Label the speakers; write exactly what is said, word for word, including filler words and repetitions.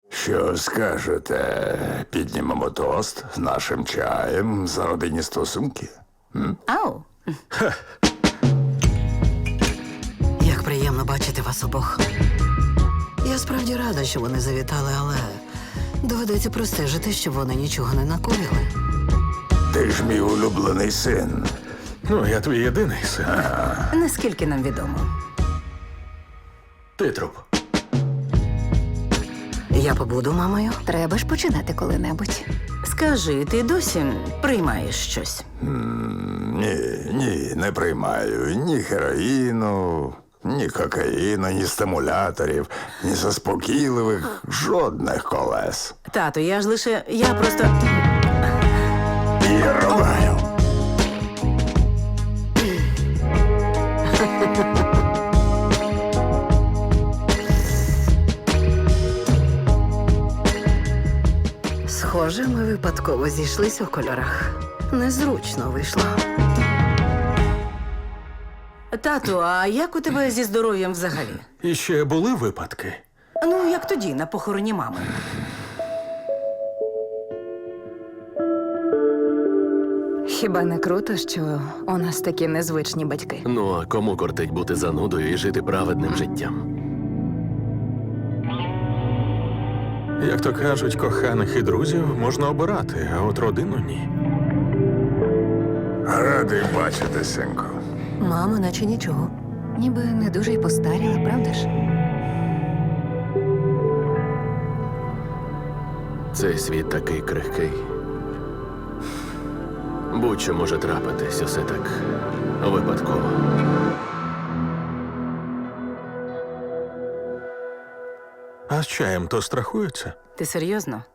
Speaker 1: Що скажете, піднімемо тост нашим чаєм за родинні стосунки?
Speaker 2: Ау.
Speaker 3: Як приємно бачити вас обох. Я справді рада, що вони завітали, але доведеться простежити, щоб вони нічого не накоїли.
Speaker 1: Ти ж мій улюблений син.
Speaker 4: Ну, я твій єдиний син.
Speaker 2: Наскільки нам відомо.
Speaker 4: Ти труп.
Speaker 3: Я побуду мамою.
Speaker 2: Треба ж починати коли-небудь. Скажи, ти досі приймаєш щось?
Speaker 1: Ні, ні, не приймаю ні героїну, ні кокаїну, ні стимуляторів, ні заспокійливих, жодних колес.
Speaker 2: Тату, я ж лише. Я просто.
Speaker 1: Я рубаю.
Speaker 3: Схоже, ми випадково зійшлися в кольорах. Незручно вийшло.
Speaker 2: Тату, а як у тебе зі здоров'ям взагалі?
Speaker 4: І ще були випадки.
Speaker 2: Ну, як тоді, на похороні мами.
Speaker 5: Хіба не круто, що у нас такі незвичні батьки?
Speaker 6: Ну, а кому кортить бути занудою і жити праведним життям?
Speaker 4: Як то кажуть, коханих і друзів можна обирати, а от родину ні.
Speaker 1: Радий бачити, синку.
Speaker 3: Мама, наче нічого.
Speaker 5: Ніби не дуже й постаріла, правда ж?
Speaker 6: Цей світ такий крихкий. Будь-що може трапитись, усе так випадково.
Speaker 4: А з чаєм то страхуються?
Speaker 2: Ти серйозно?